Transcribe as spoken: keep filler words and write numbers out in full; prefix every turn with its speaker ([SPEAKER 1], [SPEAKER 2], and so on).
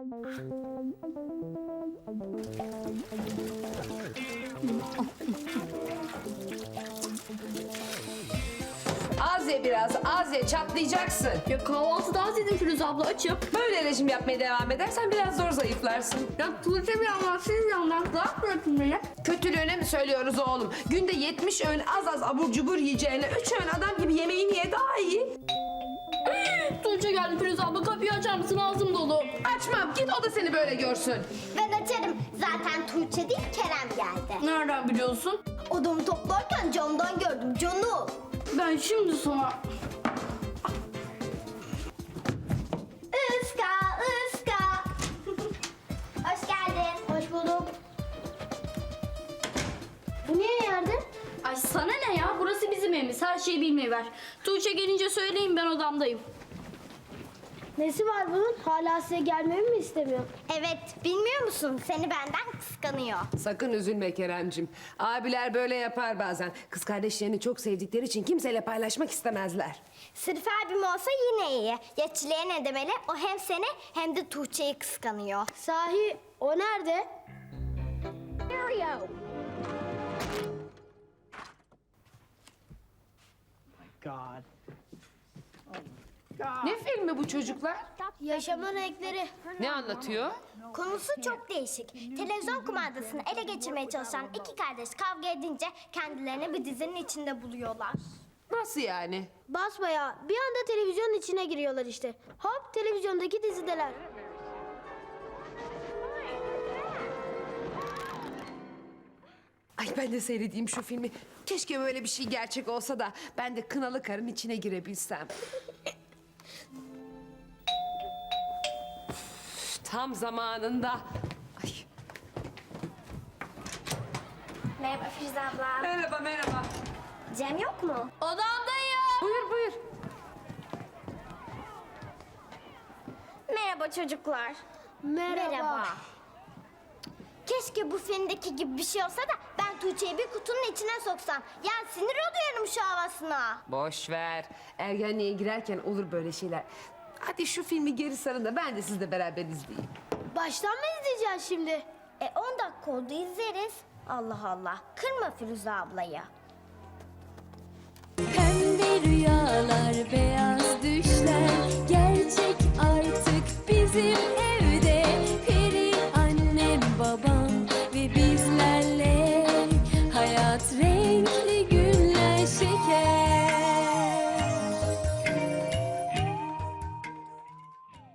[SPEAKER 1] Az ye biraz, az ye, çatlayacaksın.
[SPEAKER 2] Ya kahvaltıda az yedim Firuze abla, açım.
[SPEAKER 1] Böyle rejim yapmaya devam edersen biraz zor zayıflarsın.
[SPEAKER 2] Ya Tuğçe bir yandan, siz yandan rahat bırakın beni.
[SPEAKER 1] Kötülüğüne mi söylüyoruz oğlum? Günde yetmiş öğün az az abur cubur yiyeceğine üç öğün adam gibi yemeğini ye daha iyi.
[SPEAKER 2] Tuğçe geldi Firuze abla, kapıyı açar mısın, ağzım dolu.
[SPEAKER 1] Açmam, git o da seni böyle görsün.
[SPEAKER 3] Ben açarım. Zaten Tuğçe değil Kerem geldi.
[SPEAKER 2] Nereden biliyorsun?
[SPEAKER 3] Odamı toplarken camdan gördüm canım.
[SPEAKER 2] Ben şimdi sana...
[SPEAKER 3] Iska ıska. Hoş geldin. Hoş bulduk. Bu niye yerde?
[SPEAKER 2] Ay sana ne ya, burası bizim evimiz, her şeyi bilmeyi ver. Tuğçe gelince söyleyeyim, ben odamdayım.
[SPEAKER 4] Nesi var bunun? Hala size gelmemi mi istemiyor?
[SPEAKER 3] Evet, bilmiyor musun? Seni benden kıskanıyor.
[SPEAKER 1] Sakın üzülme Keremcim. Abiler böyle yapar bazen. Kız kardeşlerini çok sevdikleri için kimseyle paylaşmak istemezler.
[SPEAKER 3] Sırf abim olsa yine iyi. Ya Çile'ye ne demeli? O hem seni hem de Tuğçe'yi kıskanıyor.
[SPEAKER 4] Sahi o nerede?
[SPEAKER 5] God.
[SPEAKER 1] Ne filmi bu çocuklar?
[SPEAKER 4] Yaşamın renkleri.
[SPEAKER 1] Ne anlatıyor?
[SPEAKER 3] Konusu çok değişik. Televizyon kumandasını ele geçirmeye çalışan iki kardeş kavga edince kendilerini bir dizinin içinde buluyorlar.
[SPEAKER 1] Nasıl yani?
[SPEAKER 4] Basbayağı bir anda televizyonun içine giriyorlar işte. Hop televizyondaki dizideler.
[SPEAKER 1] Ay ben de seyredeyim şu filmi. Keşke böyle bir şey gerçek olsa da ben de kınalı karın içine girebilsem. Üf, tam zamanında. Ay.
[SPEAKER 3] Merhaba Firuze abla.
[SPEAKER 1] Merhaba merhaba.
[SPEAKER 3] Cem yok mu?
[SPEAKER 2] Odamdayım.
[SPEAKER 1] Buyur buyur.
[SPEAKER 3] Merhaba çocuklar.
[SPEAKER 4] Merhaba.
[SPEAKER 3] Keşke bu filmdeki gibi bir şey olsa da ben Tuğçe'yi bir kutunun içine soksam. Ya sinir oluyorum şu havasına.
[SPEAKER 1] Boş ver. Ergenliğe girerken olur böyle şeyler. Hadi şu filmi geri sarın da ben de sizle beraber izleyeyim.
[SPEAKER 4] Baştan mı izleyeceğiz şimdi?
[SPEAKER 3] E on dakika oldu izleriz. Allah Allah. Kırma Firuze ablayı.
[SPEAKER 6] Pembe rüyalar, beyaz